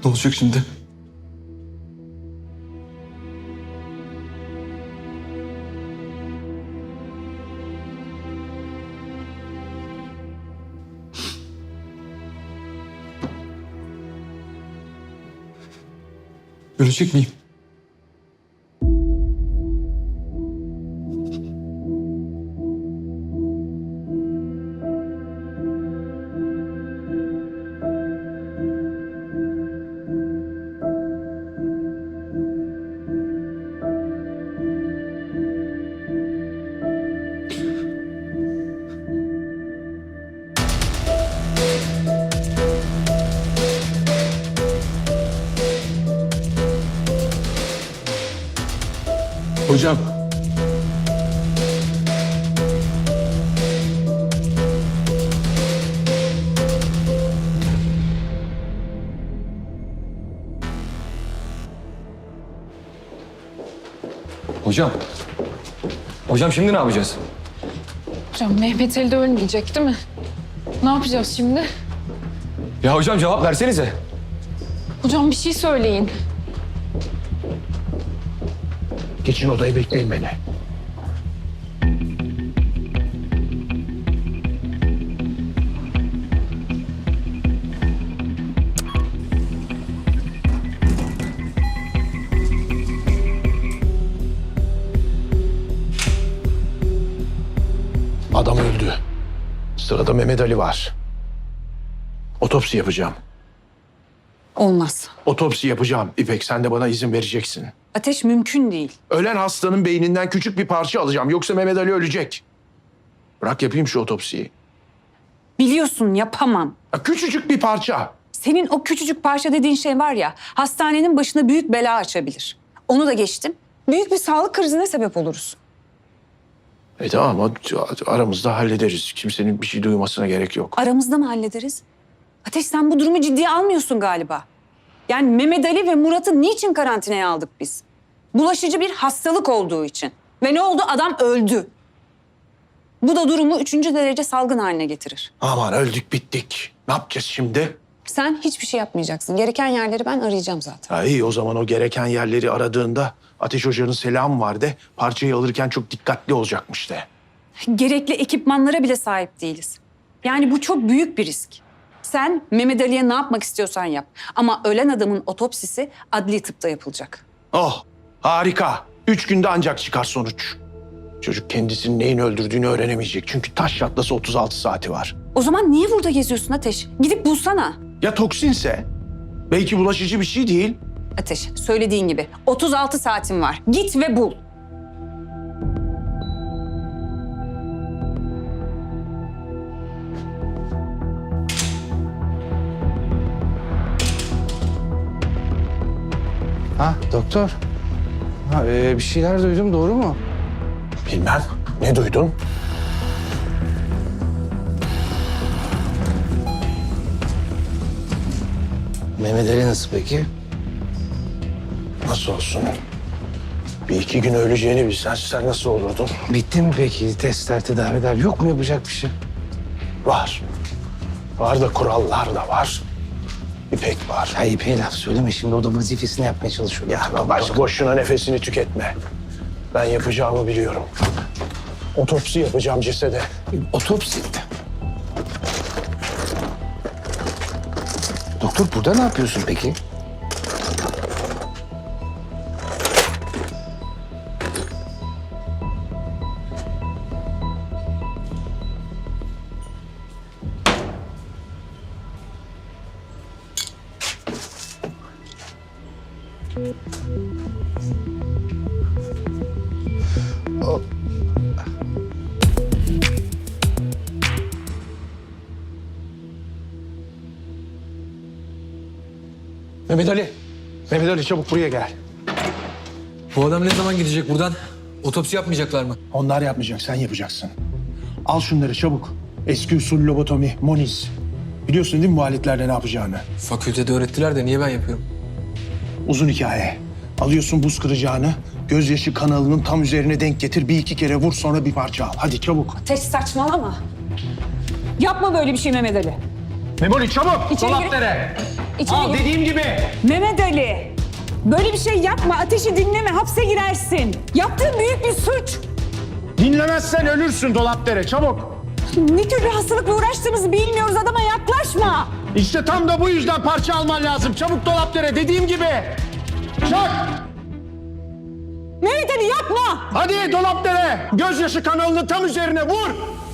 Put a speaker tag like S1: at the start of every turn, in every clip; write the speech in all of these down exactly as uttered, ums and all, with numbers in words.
S1: Ne olacak şimdi? Ölecek miyim? Hocam. Hocam. Hocam şimdi ne yapacağız?
S2: Hocam Mehmet Ali de ölmeyecek değil mi? Ne yapacağız şimdi?
S1: Ya hocam cevap versenize.
S2: Hocam bir şey söyleyin.
S3: Geçin odayı, bekleyin beni. Adam öldü. Sırada Mehmet Ali var. Otopsi yapacağım.
S4: Olmaz.
S3: Otopsi yapacağım. İpek, sen de bana izin vereceksin.
S4: Ateş mümkün değil.
S3: Ölen hastanın beyninden küçük bir parça alacağım. Yoksa Mehmet Ali ölecek. Bırak yapayım şu otopsiyi.
S4: Biliyorsun yapamam.
S3: Ya küçücük bir parça.
S4: Senin o küçücük parça dediğin şey var ya, hastanenin başına büyük bela açabilir. Onu da geçtim. Büyük bir sağlık krizine sebep oluruz.
S3: E tamam, o- aramızda hallederiz. Kimsenin bir şey duymasına gerek yok.
S4: Aramızda mı hallederiz? Ateş, sen bu durumu ciddiye almıyorsun galiba. Yani Mehmet Ali ve Murat'ı niçin karantinaya aldık biz? Bulaşıcı bir hastalık olduğu için. Ve ne oldu? Adam öldü. Bu da durumu üçüncü derece salgın haline getirir.
S3: Aman öldük bittik. Ne yapacağız şimdi?
S4: Sen hiçbir şey yapmayacaksın. Gereken yerleri ben arayacağım zaten.
S3: Ha iyi, o zaman o gereken yerleri aradığında Ateş Hoca'nın selamı var de, parçayı alırken çok dikkatli olacakmış de.
S4: Gerekli ekipmanlara bile sahip değiliz. Yani bu çok büyük bir risk. Sen Mehmet Ali'ye ne yapmak istiyorsan yap. Ama ölen adamın otopsisi adli tıpta yapılacak.
S3: Oh harika. Üç günde ancak çıkar sonuç. Çocuk kendisinin neyin öldürdüğünü öğrenemeyecek. Çünkü taş çatlası otuz altı saati var.
S4: O zaman niye burada geziyorsun Ateş? Gidip bulsana.
S3: Ya toksinse? Belki bulaşıcı bir şey değil.
S4: Ateş, söylediğin gibi otuz altı saatin var. Git ve bul.
S5: Ha doktor. Ha, e, bir şeyler duydum, doğru mu?
S3: Bilmem. Ne duydun?
S5: Mehmet Ali nasıl peki?
S3: Nasıl olsun? Bir iki gün öleceğini bilsen sen nasıl olurdun?
S5: Bitti mi peki testler, tedaviler? Yok mu yapacak bir şey?
S3: Var. Var da kurallar da var. İpek var.
S5: Ya İpek'e laf söyleme, şimdi o da vazifesini yapmaya çalışıyor.
S3: Ya baş boşuna nefesini tüketme. Ben yapacağımı biliyorum. Otopsi yapacağım cesede.
S5: Otopsi. Doktor burada ne yapıyorsun peki?
S3: Mehmet Ali. Mehmet Ali çabuk buraya gel.
S1: Bu adam ne zaman gidecek buradan? Otopsi yapmayacaklar mı?
S3: Onlar yapmayacak, sen yapacaksın. Al şunları çabuk. Eski usul lobotomi, moniz. Biliyorsun değil mi bu aletlerde ne yapacağını?
S1: Fakültede öğrettiler de niye ben yapıyorum?
S3: Uzun hikaye. Alıyorsun buz kıracağını, gözyaşı kanalının tam üzerine denk getir. Bir iki kere vur, sonra bir parça al. Hadi çabuk.
S4: Ateş, saçmalama. Yapma böyle bir şey Mehmet Ali.
S3: Memoli çabuk!
S4: İçeri gir. İçeri
S3: Al
S4: gir.
S3: dediğim gibi.
S4: Mehmet Ali, böyle bir şey yapma. Ateşi dinleme, hapse girersin. Yaptığın büyük bir suç.
S3: Dinlemezsen ölürsün Dolapdere, çabuk.
S4: Ne tür bir hastalıkla uğraştığımızı bilmiyoruz, adama yaklaşma.
S3: İşte tam da bu yüzden parça alman lazım. Çabuk Dolapdere, dediğim gibi. Çak!
S4: Mehmet Ali yapma.
S3: Hadi Dolapdere, gözyaşı kanalını tam üzerine vur.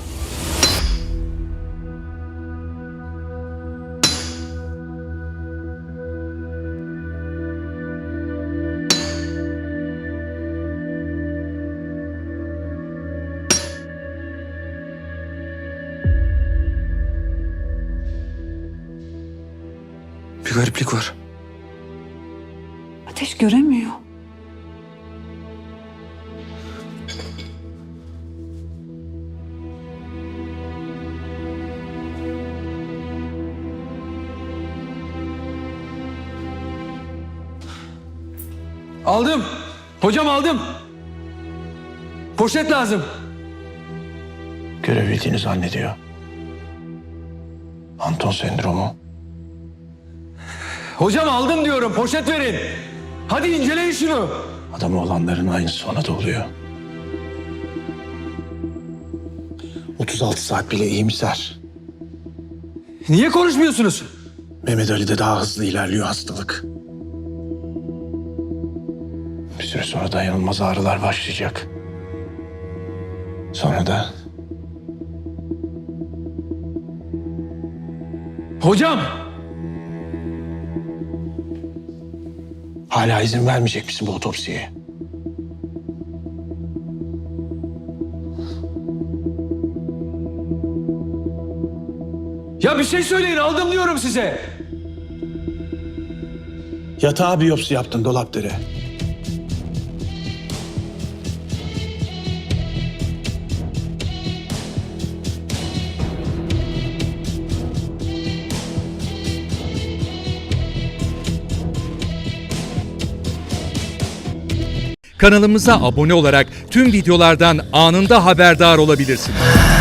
S1: Bir gariplik var.
S4: Ateş göremiyor.
S1: Aldım. Hocam aldım. Poşet lazım.
S3: Görebildiğini zannediyor. Anton sendromu.
S1: Hocam aldım diyorum. Poşet verin. Hadi inceleyin şunu.
S3: Adamı olanların aynısı ona da oluyor. otuz altı saat bile iyimser.
S1: Niye konuşmuyorsunuz?
S3: Mehmet Ali'de daha hızlı ilerliyor hastalık. Bir süre sonra dayanılmaz ağrılar başlayacak. Sonra da
S1: Hocam.
S3: hala izin vermeyecek misin bu otopsiye?
S1: Ya bir şey söyleyin, aldım diyorum size.
S3: Yatağa biyopsi yaptın Dolapdere.
S6: Kanalımıza abone olarak tüm videolardan anında haberdar olabilirsiniz.